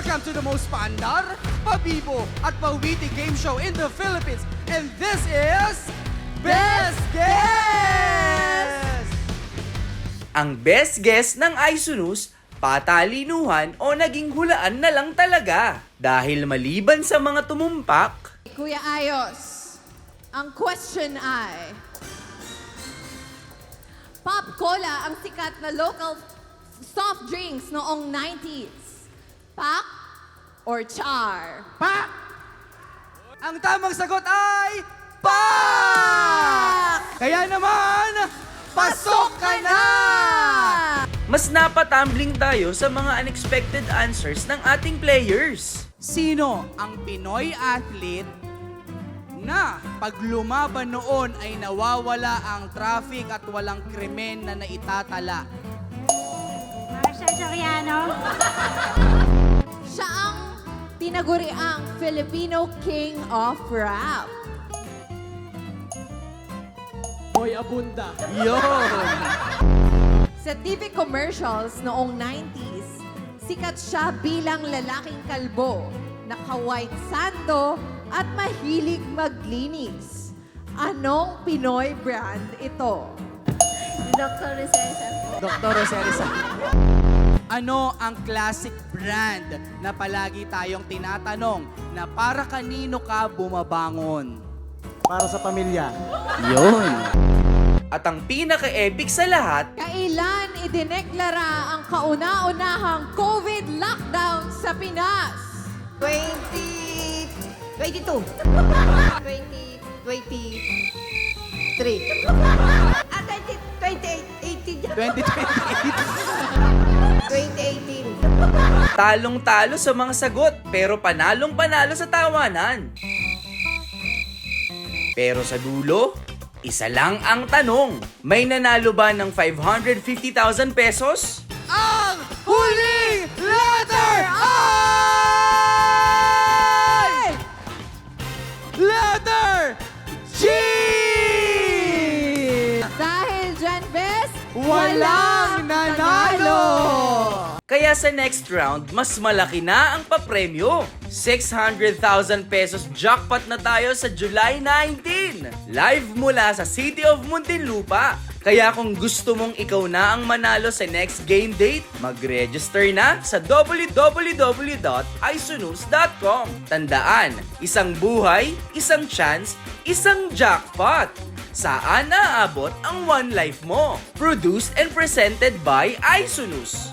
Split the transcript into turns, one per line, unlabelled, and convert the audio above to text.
Welcome to the most pandar, pabibo, at pawiti game show in the Philippines. And this is... Best Guess!
Ang best guess ng Isunus, patalinuhan o naging hulaan na lang talaga. Dahil maliban sa mga tumumpak,
Kuya Ayos, ang question ay, Pop Cola ang sikat na local soft drinks noong 90s. Pak or char?
Pak! Ang tamang sagot ay... Pak! Kaya naman, pasok ka na!
mas napatumbling tayo sa mga unexpected answers ng ating players.
Sino ang Pinoy athlete na pag lumaban noon ay nawawala ang traffic at walang krimen na naitatala?
Marcia Soriano.
Siya ang tinaguriang Filipino King of Rap.
Boy Abunda. Yun!
Sa TV commercials noong 90s, sikat siya bilang lalaking kalbo, naka-white sando at mahilig maglinis. Anong Pinoy brand ito?
Dr. Recesa.
Dr. Roserisa. Ano ang classic brand na palagi tayong tinatanong na para kanino ka bumabangon?
Para sa pamilya.
Yun!
At ang pinaka-epic sa lahat,
Kailan idineklara ang kauna-unahang COVID lockdown sa Pinas?
2022. 2023.
2028.
2018. 2018.
talong-talo sa mga sagot pero panalong-panalo sa tawanan. Pero sa dulo, isa lang ang tanong. May nanalo ba ng 550,000 pesos?
Ang huling letter ay... Letter G!
Dahil dyan, Bes,
Walang nanalo!
Kaya sa next round, mas malaki na ang papremyo. 600,000 pesos jackpot na tayo sa July 19. Live mula sa City of Muntinlupa. Kaya kung gusto mong ikaw na ang manalo sa next game date, mag-register na sa www.isunus.com. Tandaan, isang buhay, isang chance, isang jackpot. Saan naaabot ang one life mo? Produced and presented by Isunus.